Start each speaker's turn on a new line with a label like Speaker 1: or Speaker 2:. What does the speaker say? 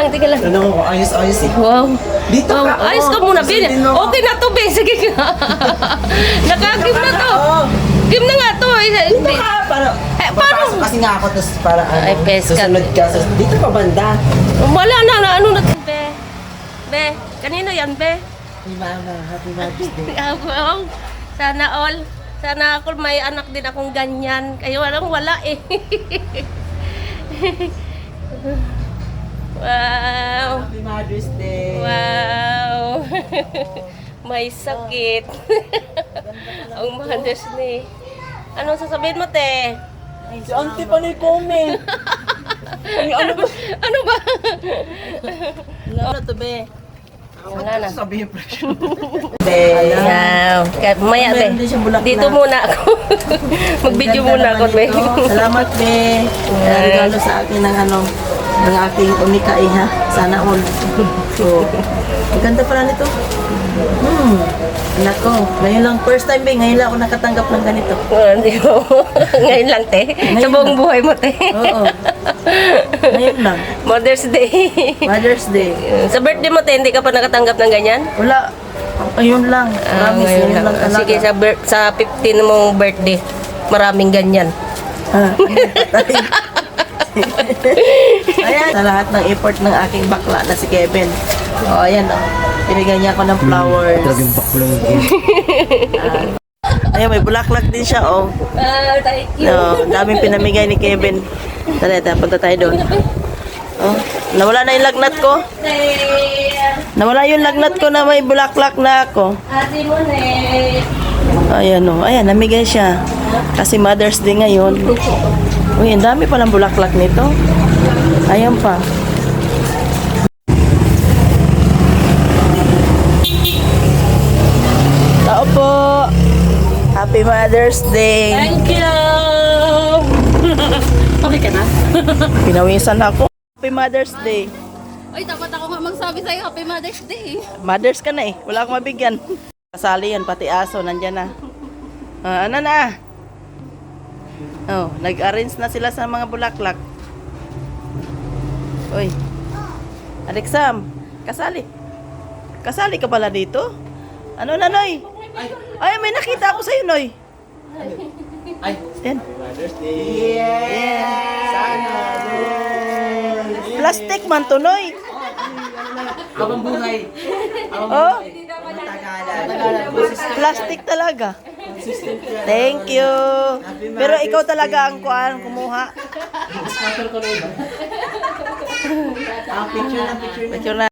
Speaker 1: lang, tingnan lang.
Speaker 2: Ano ko, ayos eh.
Speaker 1: Wow.
Speaker 2: Dito
Speaker 1: Wow,
Speaker 2: ka.
Speaker 1: ayos ka muna, Bin. Okay na to, Bin. Sige ka. Nakagim na to. Game na nga to.
Speaker 2: Dito ka, para...
Speaker 1: paano?
Speaker 2: Papasok kasi nga ako, tapos para
Speaker 1: Ay, peska.
Speaker 2: susunod ka. Dito pa banda.
Speaker 1: Wala na, ano na. Be. Be. Kanino yan, Be?
Speaker 2: Hey mama, happy Mother's Day.
Speaker 1: Wow. Sana all. Sana ako may anak din akong ganyan. Kayo wala eh. Wow.
Speaker 2: Happy Mother's Day.
Speaker 1: Wow. May sakit. Ang Mother's Day. Ano sasabihin mo, te?
Speaker 2: Si auntie pa na comment.
Speaker 1: Ano ba? Ano ba?
Speaker 2: Ano to, be?
Speaker 1: Wala na.
Speaker 2: Sabihin presyo. Be.
Speaker 1: Wow. Maya, be.
Speaker 2: Meron din siyang bulaklak.
Speaker 1: Dito muna ako. Mag-video muna ako, be.
Speaker 2: Salamat, be. Regalo sa akin ng ng aking unika ha. Sana all. So, ang ganda pala nito. Anak ko, ngayon lang, first time, be, ngayon lang ako nakatanggap ng ganito.
Speaker 1: Hindi mo. Ngayon lang, te. Sa buong buhay mo, te.
Speaker 2: Oo. Ngayon lang.
Speaker 1: Mother's Day.
Speaker 2: Mother's Day.
Speaker 1: Sa birthday mo, te, hindi ka pa nakatanggap ng ganyan?
Speaker 2: Wala. Ngayon lang. Promise,
Speaker 1: Ngayon
Speaker 2: ngayon lang talaga.
Speaker 1: Sige, sa 15 mong birthday, maraming ganyan.
Speaker 2: Ayan, sa lahat ng effort ng aking bakla na si Kevin. O, ayan o. Pinigyan niya ako ng flowers.
Speaker 3: Talagang baklang
Speaker 2: Ayan, may bulaklak din siya, oh.
Speaker 1: Thank you.
Speaker 2: No, daming pinamigay ni Kevin. Tara, punta tayo doon. Oh, nawala na yung lagnat ko. Nawala yung lagnat ko na may bulaklak na ako.
Speaker 1: Ate mo, ne.
Speaker 2: Ayan, oh. Ayan, namigay siya. Kasi Mother's Day ngayon. Uy, ang dami palang bulaklak nito. Ayan pa. Tao po. Happy Mother's Day.
Speaker 1: Thank you. Okay ka na?
Speaker 2: Pinawisan ako. Happy Mother's Day.
Speaker 4: Ay, dapat ako nga magsabi sa'yo, Happy Mother's Day.
Speaker 2: Mothers ka na eh. Wala akong mabigyan. Kasali yan, pati aso, nandyan na. Ano na? Oh, nag-arrange na sila sa mga bulaklak. Uy. Alexam, kasali. Kasali ka pala dito? Ano na, Noy? Ay, may nakita ako sa'yo, Noy. Ay, yan. Plastic man to, Noy.
Speaker 3: Habang buhay.
Speaker 2: Oh, plastic talaga. Thank you. Pero ikaw talaga ang kumuha.
Speaker 3: Scatter ko na iba.
Speaker 2: Picture na.